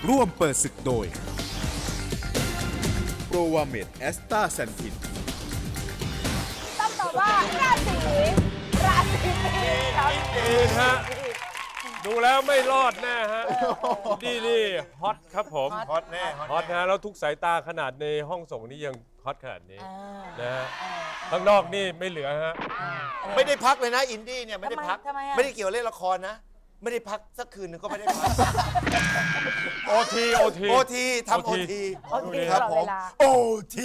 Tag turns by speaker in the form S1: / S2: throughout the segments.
S1: ร่วมเปิดศึกโดยโปรวาเมดแอสตาแซนทิน
S2: ต้องตอบว่าราศีมีนครับ
S3: มีนฮะดูแล้วไม่รอดแน่ฮะนี่ฮอตครับผม
S4: ฮอตแน่
S3: ฮอตฮะแล้วทุกสายตาขนาดในห้องส่งนี่ยังฮอตขนาดนี้นะฮะข้างนอกนี่ไม่เหลือฮะ
S4: ไม่ได้พักเลยนะอินดี้เนี่ยไม่ได้พัก
S2: ทำไมอะ
S4: ไม่ได้เกี่ยวเล่นละครนะ ไม่ได้พักสักคืนหนึงก็ไม่ได้พัก
S3: โอที
S4: โอทีทำโอที
S2: โอที
S4: ค
S2: ต
S4: รับ
S2: ลอด
S4: ผ
S2: เว
S4: ม
S2: ลา
S4: โอที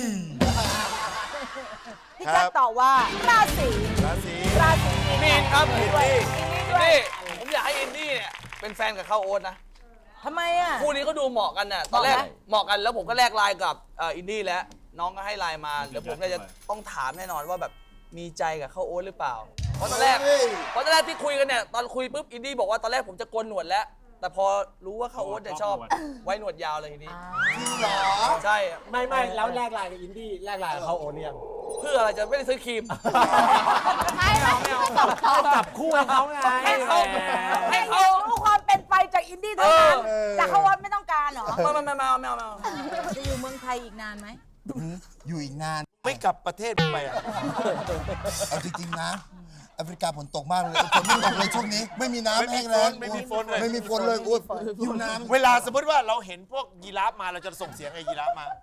S2: พี่แจ๊คตอบว่าราศี
S4: ราศี
S5: มีนครับ
S2: อินดี้ด้วย
S5: นี่ผมอยากให้อินดี้เนี่ยเป็นแฟนกับข้าวโอ๊ตนะ
S2: ทำไมอ่ะ
S5: คู่นี้ก็ดูเหมาะกันน่ะตอนแรก
S2: เหมาะไหม
S5: เหมาะกันแล้วผมก็แลกไลน์กับอินดี้แล้วน้องก็ให้ไลน์มาเดี๋ยวผมเนี่ยจะต้องถามแน่นอนว่าแบบมีใจกับข้าวโอ๊ตหรือเปล่าเพราะตอนแรกที่คุยกันเนี่ยตอนคุยปุ๊บอินดี้บอกว่าตอนแรกผมจะโกนหนวดแล้ว แต่พอรู้ว่าข้าวโอ๊ตเนี่ยชอบไว้หนวดยาวเลยทีนี้ใช่
S6: ไม่แล้วแลกไลน์กับอินดี้แลกไลน์กับเขาโอนยัง
S5: เพื่ออะไรจะไม่ได้ซื้อครีม
S2: ไม่เขา
S6: จับคู่ให้เขาไง
S2: ให้เขารู้ความเป็นไปจากอินดี้เท่านั้นจากเขาวัดไม่ต้องการเหรอ
S5: ไม่
S2: จะอยู่เมืองไทยอีกนานไหม
S7: อยู่อีกนาน
S4: ไม่กลับประเทศไปอ่ะ
S7: เอาจริงๆนะแอฟริกาฝนตกมากเลยฝนไม่ตกเลยช่วงนี้ไม่มีน้ำแห้งแล้ง
S4: ไม่มีฝนเลย
S7: ไม่มีฝนเลยอุ้ยอยู่น้ำ
S4: เวลาสมมติว่าเราเห็นพวกยีราฟมาเราจะส่งเสียงไอ้ยีราฟมา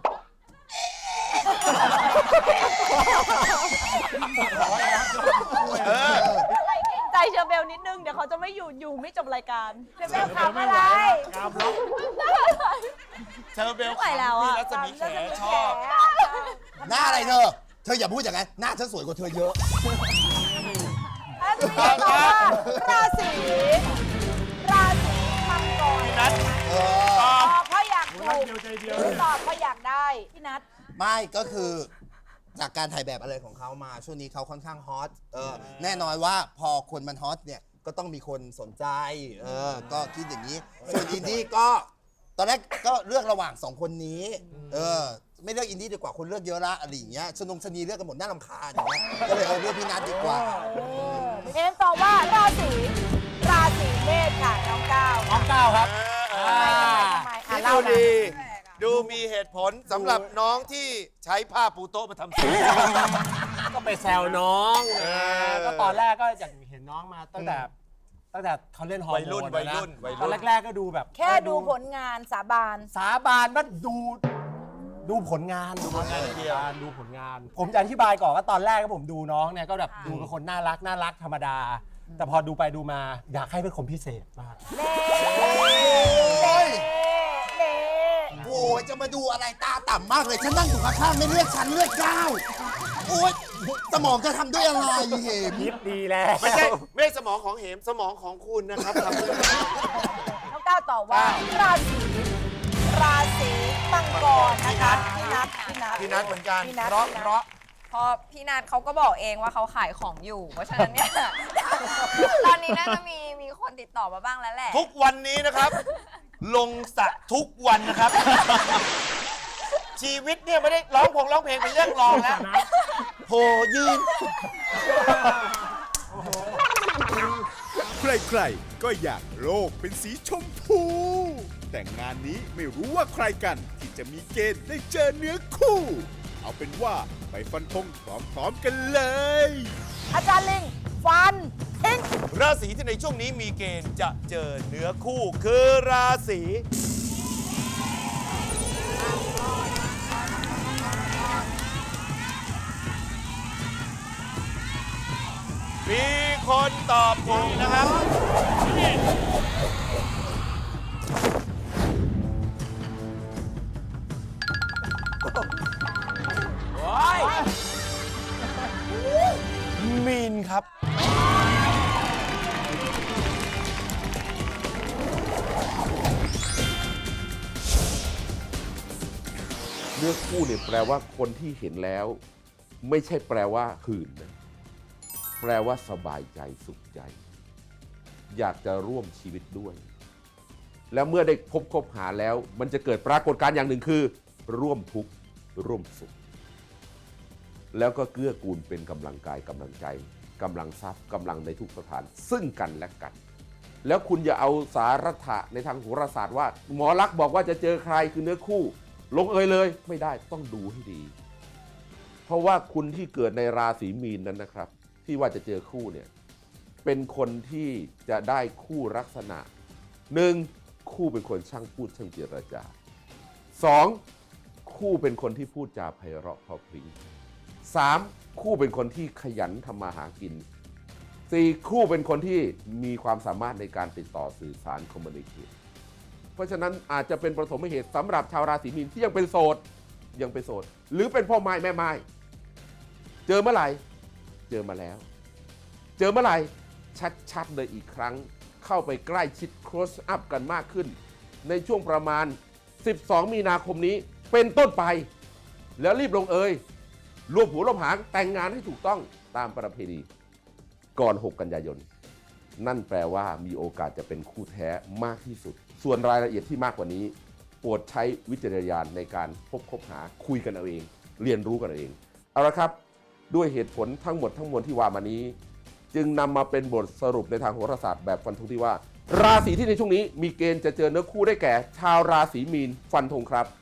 S2: ใจเชอร์เบลนิดนึงเดี๋ยวเขาจะไม่อยู่ไม่จบรายการเชอร์เบลทำอะไร
S4: เธอเบล
S2: ไม่ไหวแล้ว
S4: พี่
S2: อ่ะ
S4: รัศมีแขชอบ
S7: หน้าอะไรเธออย่าพูดอย่างนั้นหน้าฉันสวยกว่าเธอเยอะ
S2: ราศีมังกร
S4: นัท
S2: ตอบเพราะอยากถูกตอบเพราะอยากได้พี่นัท
S7: ไม่ก็คือจากการถ่ายแบบอะไรของเขามาช่วงนี้เขาค่อนข้างฮอตแน่นอนว่าพอคนมันฮอตเนี่ยก็ต้องมีคนสนใจก็คิดอย่างนี้ส่วนอินดี้ก็ตอนแรกก็เลือกระหว่างสองคนนี้ไม่เลือกอินดี้ดีกว่าคนเลือกเยอะละอะไรอย่างเงี้ยชนีเลือกกันหมดน่ารำคาญอย่างเงี้ยก็เลยเลือกพี่นัทดีกว่า
S2: เอ็มตอบว่าราศีเมษค่ะน้องก้าว
S6: น้องก้าวครับ
S2: ทำไม
S4: ที่
S2: เล่า
S4: ดู
S2: หน่อย
S4: ดีดูมีเหตุผลสำหรับน้องที่ใช้ผ้าปูโต๊ะมาทำสี
S6: ก็ไปแซวน้องก็ตอนแรกก็อยากเห็นน้องมาตั้งแต่เขาเล่นฮอร์โมนนะตอนแรกๆก็ดูแบบ
S2: แค่ดูผลงานสาบาน
S6: สาบานว่าดูผลงานดูผลงาน ผมจะอธิบายก่อนว่าตอนแรกก็ผมดูน้องเนี่ยก็แบบดูเป็นคนน่ารักธรรมดา แต่พอดูไปดูมาอยากให้เป็นคนพิเศษมาก
S7: โอ้ยจะมาดูอะไรตาต่ำมากเลยฉันนั่งอยู่ข้างๆไม่เลือกฉันเลือกก้าวโอ้ยสมองจะทำด้วยอะไรเหม
S6: คิดดีแล้ว
S4: ไม่ใช่สมองของเหมสมองของคุณนะครับทำด้วย
S2: น้องก้าวตอบว่าราศีมังกรนะคะพี่นัท
S4: เหมือนกัน
S2: พี่นัท
S4: เพราะ
S8: พอพี่นัทเขาก็บอกเองว่าเขาขายของอยู่ เพราะฉะนั้นเนี่ย ตอนนี้น่าจะมีคนติดต่อมาบ้างแล้วแหละ
S4: ทุกวันนี้นะครับ ลงสระทุกวันนะครับ ชีวิตเนี่ยไม่ได้ร้องเพลงเป็นเรื่องรองแล้วโผยืน
S1: ใครๆก็อยากโลกเป็นสีชมพู แต่งานนี้ไม่รู้ว่าใครกันที่จะมีเกณฑ์ได้เจอเนื้อคู่ เอาเป็นว่าไปฟันธงพร้อมๆกันเลย
S2: อาจารย์ลิงฟันทิ้ง
S4: ราศีที่ในช่วงนี้มีเกณฑ์จะเจอเนื้อคู่คือราศีมีคนตอบถูกนะครับมีนครับ
S9: เนื้อคู่เนี่ยแปลว่าคนที่เห็นแล้ว ไม่ใช่แปลว่าหื่นนะแปลว่าสบายใจสุขใจ อยากจะร่วมชีวิตด้วย แล้วเมื่อได้คบหาแล้ว มันจะเกิดปรากฏการณ์อย่างหนึ่งคือ ร่วมทุกข์ร่วมสุข แล้วก็เกื้อกูลเป็นกำลังกายกำลังใจกำลังทรัพย์กำลังในทุกสถานซึ่งกันและกันแล้วคุณอย่าเอาสารัฐะในทางโหราศาสตร์ว่าหมอลักษณ์บอกว่าจะเจอใครคือเนื้อคู่ลงเอยเลยไม่ได้ต้องดูให้ดี เพราะว่าคุณที่เกิดในราศีมีนนั้นนะครับ ที่ว่าจะเจอคู่เนี่ยเป็นคนที่จะได้คู่ลักษณะ 1. คู่เป็นคนช่างพูดช่างเจรจา 2. คู่เป็นคนที่พูดจาไพเราะเพราะพริ้ง 3. คู่เป็นคนที่ขยันทำมาหากิน 4. คู่เป็นคนที่มีความสามารถในการติดต่อสื่อสารคอมมูนิเคชเพราะฉะนั้นอาจจะเป็นประสมเหตุสำหรับชาวราศีมีนที่ยังเป็นโสดหรือเป็นพ่อไม้แม่ไม้เจอเมื่อไหร่เจอมาแล้วเจอเมื่อไหร่ชัดๆเลยอีกครั้งเข้าไปใกล้ชิด close up กันมากขึ้นในช่วงประมาณ12 มีนาคมนี้เป็นต้นไปแล้วรีบลงเอยรวมหัวรวมหางแต่งงานให้ถูกต้องตามประเพณีก่อน 6 กันยายนนั่นแปลว่ามีโอกาสจะเป็นคู่แท้มากที่สุดส่วนรายละเอียดที่มากกว่านี้โปรดใช้วิจารณญาณในการคบหาคุยกันเอาเองเรียนรู้กันเอาเองเอาละครับด้วยเหตุผลทั้งหมดทั้งมวลที่ว่ามานี้จึงนำมาเป็นบทสรุปในทางโหราศาสตร์แบบฟันธงที่ว่าราศีที่ในช่วงนี้มีเกณฑ์จะเจอเนื้อคู่ได้แก่ชาวราศีมีนฟันธงครับ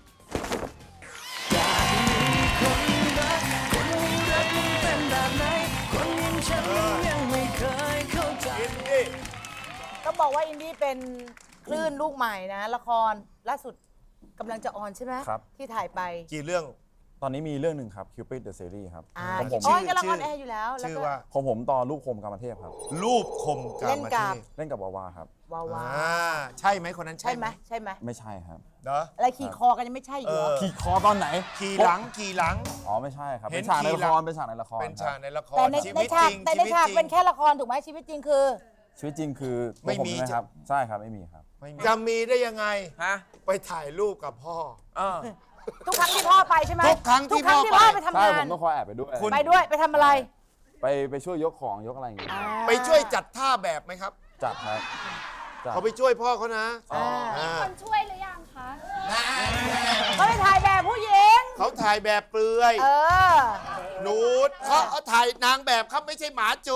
S2: ก็บอกว่าอินดี้เป็นคลื่นลูกใหม่นะละครล่าสุดกำลังจะออนใช่ไหม
S10: ครับ
S2: ที่ถ่ายไป
S4: กี่เรื่อง
S10: ตอนนี้มีเรื่องหนึ่งครับ Cupid the Series ครับ ของผม
S2: อ๋อกำลังออนแอร์อยู่แล้วแล้ว
S4: ชื่อ
S2: ก็
S4: ว่า
S10: ของผมต่อรูปคมกามเทพครับ
S4: รูปคมกา
S2: เล่น
S4: ม
S2: กับ
S4: เทพ
S10: เล่นกับวาวาครับ
S2: วาวา
S4: ใช่ไหมคนนั้น
S2: ใช่ไหมใช่ไหม
S10: ไม่ใช่ครับ
S4: เนาะ
S2: อะไรขี่คอกันยังไม่ใช่อีกเหรอ
S10: ขี่คอตอนไหน
S4: ขี่หลัง
S10: อ๋อไม่ใช่ครับ
S4: เห็
S10: เป็น นฉากใน
S4: ขี่
S10: ละ
S4: หลั
S10: ค
S4: ง
S10: รเป็นฉากในละคร
S4: เป็น
S10: ค
S4: ฉา
S10: รั
S4: ก
S10: บ
S4: ในละคร
S2: แต่ใน
S4: ชี
S2: ใน
S4: วิต
S2: ฉาก
S4: จริง
S2: แต่ในฉากเป็นแค่ละครถูกไหมชีวิตจริงคือ
S10: ชีวิตจริงคือ
S4: ไม่
S10: ตัวผ
S4: มี
S10: ใช่ไหครับใช่ครับไม่มีครับ
S4: จะมีได้ยังไง
S5: ฮะ
S4: ไปถ่ายรูปกับพ่อ
S2: ทุกครั้งที่พ่อไปใช่ไหม
S4: ทุกครั้งที่พ่อ
S2: พ่อ
S4: ไป
S2: ไปทำ
S10: ใช่
S2: งา
S10: ผ
S2: น
S10: มต้องคอยแอบไปด้วย
S4: คุณ
S2: ไปด้วยไปทำอะไร
S10: ไปช่วยยกของยกอะไรอย่างเงี้ย
S4: ไปช่วยจัดท่าแบบไหมครับ
S10: จัดครับจัด
S4: เขาไปช่วยพ่อเขานะ
S8: คนช่วยหรือยังคะ
S2: เขาไปถ่ายแบบผู้หญิง
S4: เขาถ่ายแบบเปลือย นูดเขาถ่ายนางแบบเขาไม่ใช่หมาจู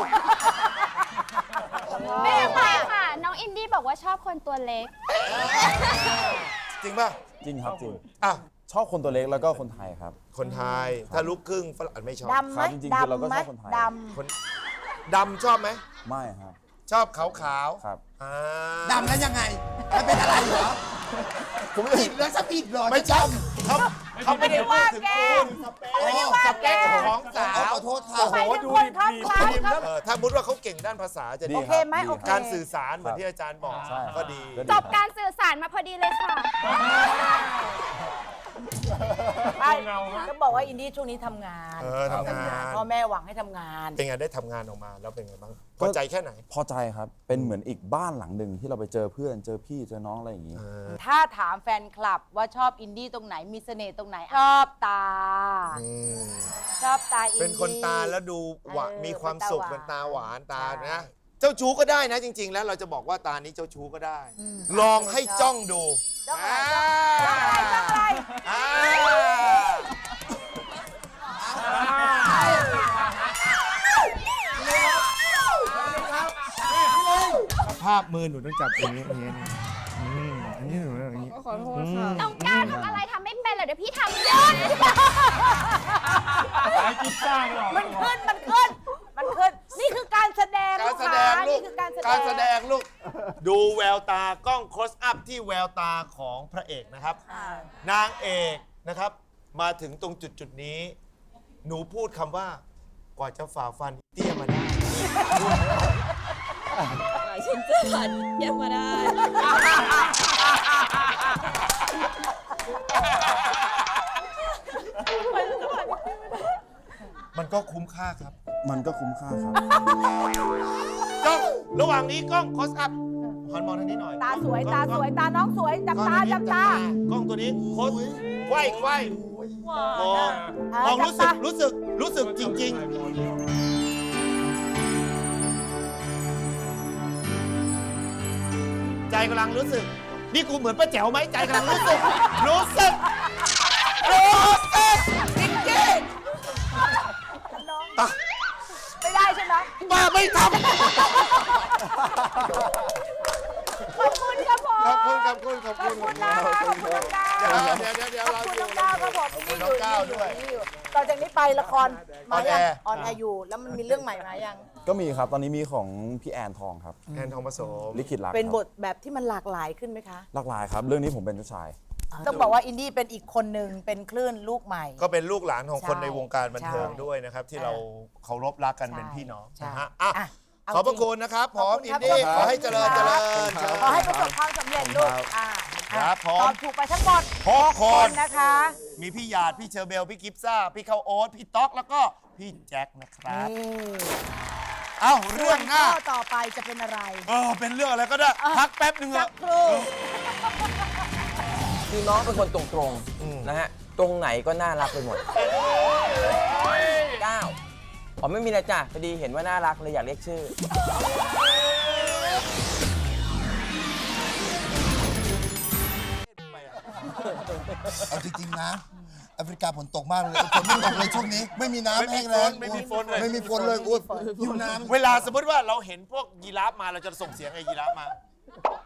S8: ไม่เป็นไรค่ะ น้องอินดี้บอกว่าชอบคนตัวเล็ก
S4: จริงป่ะ
S10: จริงครับจริง
S4: อ่ะ
S10: ชอบคนตัวเล็กแล้วก็คนไทยครับ
S4: คนไทย ถ้าลูกครึ่งฝรั่งไม่ชอบ
S2: ดำไหม
S10: ครับจริงๆคือเราก็
S2: ดำไหม
S10: ชอบคนไทย
S2: ด
S4: คนดำชอบไหม
S10: ไม่ครับ
S4: ชอบขาว
S10: ครับ
S7: ดำแล้วยังไงมันเป็นอะไรเหรอผมผิดแล้วจะผิดเหรอ
S4: ไม่ใช่เขาไม่ได้พูดถึงคุณสเปคของสาว
S7: ขอโทษค่ะ
S4: โอ้โห
S2: ำ
S4: ดู
S2: คน
S4: ดิ
S2: ครับครับครับ
S4: ถ้ามุดว่าเขาเก่งด้านภาษาจะ
S10: ดี
S4: ดี
S2: โอเคไหม
S10: ดี
S2: โอเค
S4: การสื่อสารเหมือนที่อาจารย์บอก
S10: ใช่
S4: ก็ดี
S10: ก็
S8: จบการสื่อสารมาพอดีเลยค่ะ
S2: ไปก็บอกว่าอินดี้ช่วงนี้ทำงาน
S4: ทำงาน
S2: พ่อแม่หวังให้ทำงาน
S4: เป็นไงได้ทำงานออกมาแล้วเป็นไงบ้างพอใจแค่ไหน
S10: พอใจครับเป็นเหมือนอีกบ้านหลังหนึ่งที่เราไปเจอเพื่อนเจอพี่เจอน้องอะไรอย่างงี้
S2: ถ้าถามแฟนคลับว่าชอบอินดี้ตรงไหนมีเสน่ห์ตรงไหน ชอบตา ชอบตาอินดี้
S4: เป็นคนตาแล้วดูมีความสุข
S2: เป็
S4: เป็น
S2: น
S4: ตา
S2: ตา
S4: หวาว
S2: หาน น
S4: ตา
S2: ใช่
S4: นะ เจ้าชู้ก็ได้นะจริง ๆ แล้วเราจะบอกว่าตานี้เจ้าชู้ก็ได้ ลองให้จ้องดู
S2: จ้องอะไรจ้องอะไร
S4: อ่าภาพมือหนูต้องจับอย่างนี้อย่างนี้อันนี้หนูอย่างนี้
S8: ขอโทษค่ะ น้องก้าวทำอะไรทำไม่เป็นเหรอเดี๋ยวพี่ทำเยอะ
S2: มันขึ้น มันขึ้น มันขึ้น นี่คือการแสดง
S4: การแสดงลู
S2: นี่
S4: ก
S2: คือการแสดง
S4: การแสดงลูก ดูแววตากล้อง close up ที่แววตาของพระเอกนะครับ นางเอกนะครับ มาถึงตรงจุดนี้ หนูพูดคำว่ากว่าจะฝ่าฟันเตี้ยมาได้
S8: ฉันจะผ่านเยี่ยมมาได้
S4: มันก็คุ้มค่าครับ
S10: มันก็คุ้มค่าครับ
S4: กล้องระหว่างนี้กล้อง close up หันมองทางนี้หน่อย
S2: ตาสวย
S4: กล้
S2: ตา
S4: อง
S2: สวย ตาน้องสวย จับตา จับตา
S4: กล้องตัวนี้โคตรไขว้มองมองรู้สึกจริง ๆ ใจกำลังรู้สึก นี่กูเหมือนป้าแจ๋วไหมใจกำลังรู้สึกจริงๆ
S2: ไม่ได้ใช่ไหมนะ
S4: ป้าไม่ท
S2: ขอบคุณครับผม
S4: ำขอบคุณขอบคุณขอบ
S2: ข
S4: คุ
S2: อบ
S4: ณ
S2: คุณนะคะขอบคุณน้องก้าว
S4: เดี๋ยว
S2: ขอบ
S4: เรา
S2: คุณ
S4: อยู่
S2: น้องก้าวครับผม
S4: ขอบคุณน้องก้าวด้วย
S2: นี่ต่อจากนี้ไปละครมายัง
S4: ออนแอร์
S2: ออนแอร์อยู่ แล้วมันมีเรื่องใหม่มายัง
S10: ก็มีครับ ตอนนี้มีของพี่แอนทองครับ
S4: แอนทองผสม
S10: ลิขิตรัก
S2: เป็น
S10: ครับ
S2: บทแบบที่มันหลากหลายขึ้นไหมคะ
S10: หลากหลายครับ เรื่องนี้ผมเป็นเจ้าชาย
S2: ต้องบอกว่าอินดี้เป็นอีกคนหนึ่งเป็นคลื่นลูกใหม่
S4: ก็เป็นลูกหลานของคน
S2: ใช่
S4: ในวงการบันเทิง
S2: ใช่
S4: ด้วยนะครับ ที่
S2: เออ
S4: เราเคารพรักกัน
S2: ใช่
S4: เป็นพี่น้อง
S2: ใช่
S4: นะฮะอ่ะ
S2: อ่ะเอา
S4: ขอบพระ
S2: จริง
S4: คุณนะครับพร้อม
S2: ขอบคุณ
S4: อิ
S2: ครับ
S4: นดี้
S2: ข
S4: ข
S2: อบคุณ
S4: อให้เจริญ
S2: ค
S4: เจ
S2: รั
S4: ริ
S2: บ
S4: ญเชิญ
S2: ขอให้ประสบความสำเร็จลูก
S4: ครับผม
S2: ตอบถูกไปทั้งหมด
S4: 6 คน
S2: นะคะ
S4: มีพี่หยาดพี่เชอร์เบล พี่กิฟซ่า พี่ข้าวโอ๊ตพี่ต๊อกแล้วก็พี่แจ็คนะครับ
S2: นี่
S4: เอ้าเรื่องหน้า
S2: ข้อต่อไปจะเป็นอะไร
S4: เป็นเรื่องอะไรก็ได้ พักแป๊บหนึ่งเถ
S2: สั
S4: อะ
S2: กครู่
S11: คือน้องเป็นคนตรงๆนะฮะ ตรงไหนก็น่ารักไปหมด 9อ๋อไม่มีนะจ้ะพอดีเห็นว่าน่ารักเลยอยากเรียกชื่อ
S7: เอาจริงๆนะแอฟริกาฝนตกมากเลยฝนไม่ตกเลยช่วงนี้ ไม่มีน้ำแห้งแล้ง
S4: ไม่มีฝนเลย
S7: ไม่มีฝนเลยอุ้ยหิวน้ำ
S4: เวลาสมมติว่าเราเห็นพวกยีราฟมาเราจะส่งเสียงไอ้ยีราฟมา